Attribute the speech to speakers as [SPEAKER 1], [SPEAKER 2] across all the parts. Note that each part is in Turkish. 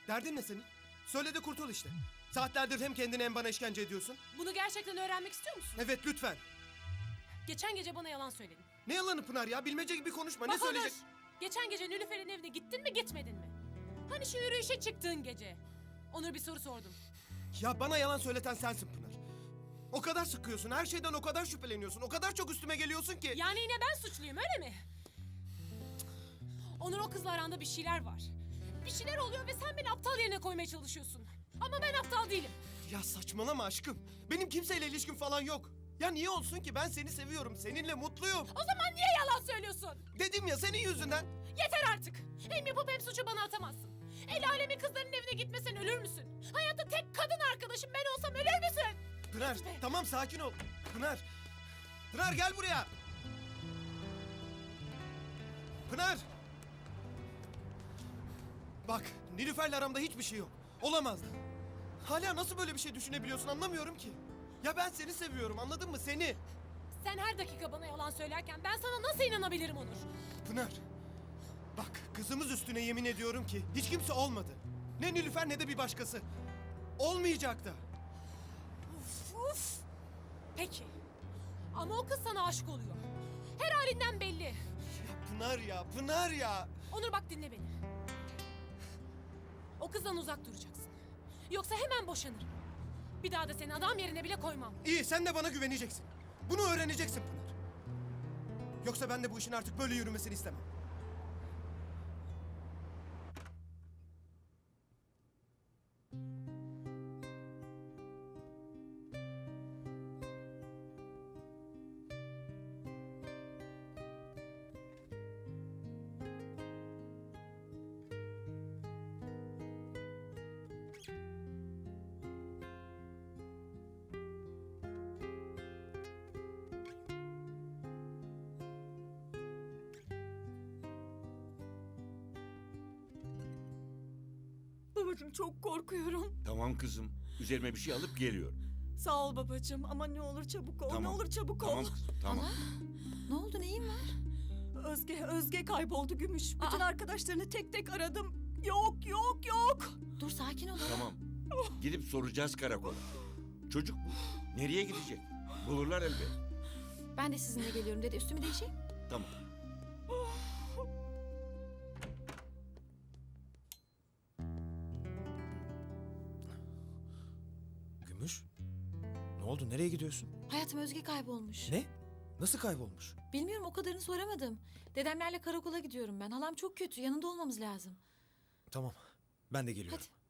[SPEAKER 1] Derdin ne senin? Söyle de kurtul işte. Saatlerdir hem kendine hem bana işkence ediyorsun.
[SPEAKER 2] Bunu gerçekten öğrenmek istiyor musun?
[SPEAKER 1] Evet lütfen.
[SPEAKER 2] Geçen gece bana yalan söyledin.
[SPEAKER 1] Ne yalanı Pınar ya? Bilmece gibi konuşma. Ne
[SPEAKER 2] Bak Onur,
[SPEAKER 1] söyleyecek?
[SPEAKER 2] geçen gece Nilüfer'in evine gittin mi gitmedin mi? Hani şu yürüyüşe çıktığın gece. Onur bir soru sordum.
[SPEAKER 1] Ya bana yalan söyleten sensin Pınar. O kadar sıkıyorsun, her şeyden o kadar şüpheleniyorsun, o kadar çok üstüme geliyorsun ki...
[SPEAKER 2] Yani yine ben suçluyum öyle mi? Onur o kızla aranda bir şeyler var. Bir şeyler oluyor ve sen beni aptal yerine koymaya çalışıyorsun. Ama ben aptal değilim.
[SPEAKER 1] Ya saçmalama aşkım. Benim kimseyle ilişkim falan yok. Ya niye olsun ki? Ben seni seviyorum, seninle mutluyum.
[SPEAKER 2] O zaman niye yalan söylüyorsun?
[SPEAKER 1] Dedim ya senin yüzünden.
[SPEAKER 2] Yeter artık. Hem yapıp hem suçu bana atamazsın. El alemin kızların evine gitmesen ölür müsün? Hayatta tek kadın arkadaşım ben olsam ölür müsün?
[SPEAKER 1] Pınar, tamam sakin ol. Pınar. Pınar gel buraya. Pınar. Bak, Nilüfer'le aramda hiçbir şey yok. Olamazdı. Hala nasıl böyle bir şey düşünebiliyorsun anlamıyorum ki. Ya ben seni seviyorum anladın mı seni?
[SPEAKER 2] Sen her dakika bana yalan söylerken ben sana nasıl inanabilirim Onur?
[SPEAKER 1] Pınar. Bak kızımız üstüne yemin ediyorum ki hiç kimse olmadı. Ne Nilüfer ne de bir başkası. Olmayacak da.
[SPEAKER 2] Uf. Peki. Ama o kız sana aşık oluyor. Her halinden belli.
[SPEAKER 1] Ya Pınar ya, Pınar ya.
[SPEAKER 2] Onur bak dinle beni. O kızdan uzak duracaksın. Yoksa hemen boşanırım. Bir daha da seni adam yerine bile koymam.
[SPEAKER 1] İyi sen de bana güveneceksin. Bunu öğreneceksin Pınar. Yoksa ben de bu işin artık böyle yürümesini istemem.
[SPEAKER 3] Babacığım çok korkuyorum.
[SPEAKER 4] Tamam kızım. Üzerime bir şey alıp geliyorum.
[SPEAKER 3] Sağ ol babacığım ama ne olur çabuk ol.
[SPEAKER 4] Tamam.
[SPEAKER 3] Ne olur çabuk
[SPEAKER 4] Tamam
[SPEAKER 3] ol.
[SPEAKER 4] kızım, tamam.
[SPEAKER 5] Ne oldu, neyin var?
[SPEAKER 3] Özge kayboldu Gümüş. Bütün arkadaşlarını tek tek aradım. Yok.
[SPEAKER 5] Dur, sakin ol.
[SPEAKER 4] Tamam. Gidip soracağız karakola. Çocuk bu. Nereye gidecek? Bulurlar elbet.
[SPEAKER 5] Ben de sizinle geliyorum dedi. Üstümü değişeyim.
[SPEAKER 4] Tamam.
[SPEAKER 6] Gümüş? Ne oldu? Nereye gidiyorsun?
[SPEAKER 5] Hayatım, Özge kaybolmuş.
[SPEAKER 6] Ne? Nasıl kaybolmuş?
[SPEAKER 5] Bilmiyorum, o kadarını soramadım. Dedemlerle karakola gidiyorum ben. Halam çok kötü. Yanında olmamız lazım.
[SPEAKER 6] Tamam. Ben de geliyorum.
[SPEAKER 5] Hadi.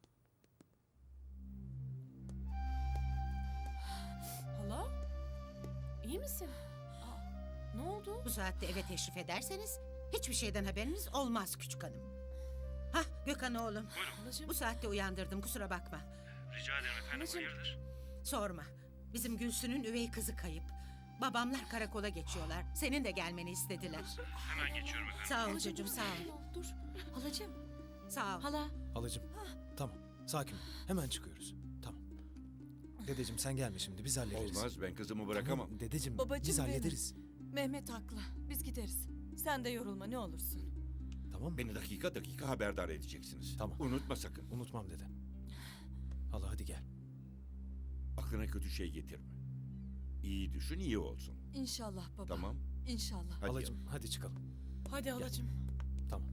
[SPEAKER 2] Hala? İyi misin? Ne oldu?
[SPEAKER 7] Bu saatte eve teşrif ederseniz hiçbir şeyden haberiniz olmaz küçük hanım. Hah Gökhan oğlum.
[SPEAKER 2] Halacığım.
[SPEAKER 7] Bu saatte uyandırdım kusura bakma.
[SPEAKER 8] Rica ederim efendim,
[SPEAKER 2] Anneciğim.
[SPEAKER 8] hayırdır?
[SPEAKER 7] Sorma. Bizim Gülsün'ün üvey kızı kayıp. Babamlar karakola geçiyorlar. Senin de gelmeni istediler.
[SPEAKER 8] Hemen geçiyorum efendim.
[SPEAKER 7] Sağ ol
[SPEAKER 2] Halacığım,
[SPEAKER 7] çocuğum
[SPEAKER 2] dur,
[SPEAKER 7] sağ
[SPEAKER 2] sakin
[SPEAKER 7] ol.
[SPEAKER 2] Dur.
[SPEAKER 5] Halacığım,
[SPEAKER 7] Sağ ol.
[SPEAKER 5] hala.
[SPEAKER 6] Halacığım. Tamam. Sakin ol. Hemen çıkıyoruz. Tamam. Dedeciğim sen gelme şimdi. Biz hallederiz.
[SPEAKER 4] Olmaz, ben kızımı bırakamam.
[SPEAKER 6] Tamam, dedeciğim
[SPEAKER 3] Babacığım
[SPEAKER 6] biz
[SPEAKER 3] benim.
[SPEAKER 6] hallederiz.
[SPEAKER 3] Mehmet haklı. Biz gideriz. Sen de yorulma ne olursun.
[SPEAKER 6] Tamam mı?
[SPEAKER 4] Beni dakika dakika haberdar edeceksiniz.
[SPEAKER 6] Tamam.
[SPEAKER 4] Unutma sakın.
[SPEAKER 6] Unutmam dede. Hala hadi gel.
[SPEAKER 4] Aklına kötü şey getirme. İyi düşün, iyi olsun.
[SPEAKER 3] İnşallah baba.
[SPEAKER 4] Tamam.
[SPEAKER 3] İnşallah.
[SPEAKER 4] Hadi
[SPEAKER 6] Halacığım
[SPEAKER 4] yavrum.
[SPEAKER 6] hadi çıkalım.
[SPEAKER 2] Hadi halacığım.
[SPEAKER 6] Tamam.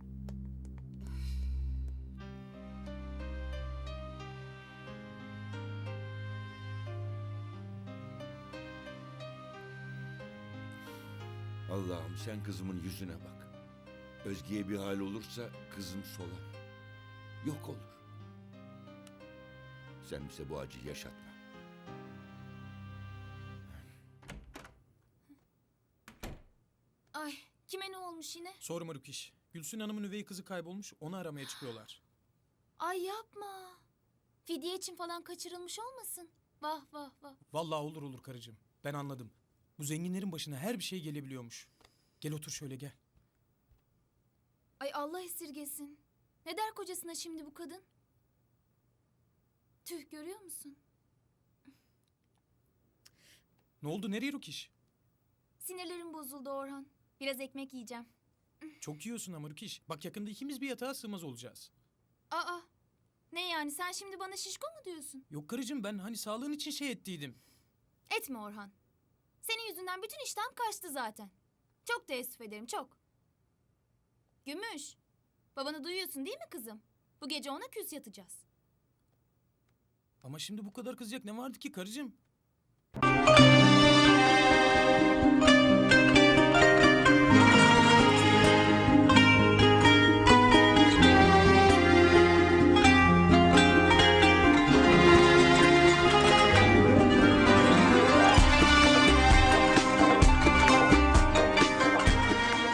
[SPEAKER 4] Allah'ım sen kızımın yüzüne bak. Özge'ye bir hal olursa kızım solar. Yok olur. Sen bize bu acıyı yaşatma.
[SPEAKER 9] Ay, kime ne olmuş yine?
[SPEAKER 10] Sorma Rukiş. Gülsün Hanım'ın üvey kızı kaybolmuş, onu aramaya çıkıyorlar.
[SPEAKER 9] Ay yapma. Fidye için falan kaçırılmış olmasın? Vah vah vah.
[SPEAKER 10] Vallahi olur karıcığım. Ben anladım. Bu zenginlerin başına her bir şey gelebiliyormuş. Gel otur şöyle gel.
[SPEAKER 9] Ay Allah esirgesin. Ne der kocasına şimdi bu kadın? Tüh görüyor musun?
[SPEAKER 10] Ne oldu, nereye Rukiş?
[SPEAKER 9] Sinirlerim bozuldu Orhan. Biraz ekmek yiyeceğim.
[SPEAKER 10] Çok yiyorsun ama Rukiş. Bak yakında ikimiz bir yatağa sığmaz olacağız.
[SPEAKER 9] Aa, ne yani sen şimdi bana şişko mu diyorsun?
[SPEAKER 10] Yok karıcığım, ben hani sağlığın için şey ettiydim.
[SPEAKER 9] Etme Orhan. Senin yüzünden bütün iştahım kaçtı zaten. Çok teessüf ederim, çok. Gümüş, babanı duyuyorsun değil mi kızım? Bu gece ona küs yatacağız.
[SPEAKER 10] Ama şimdi bu kadar kızacak ne vardı ki karıcığım?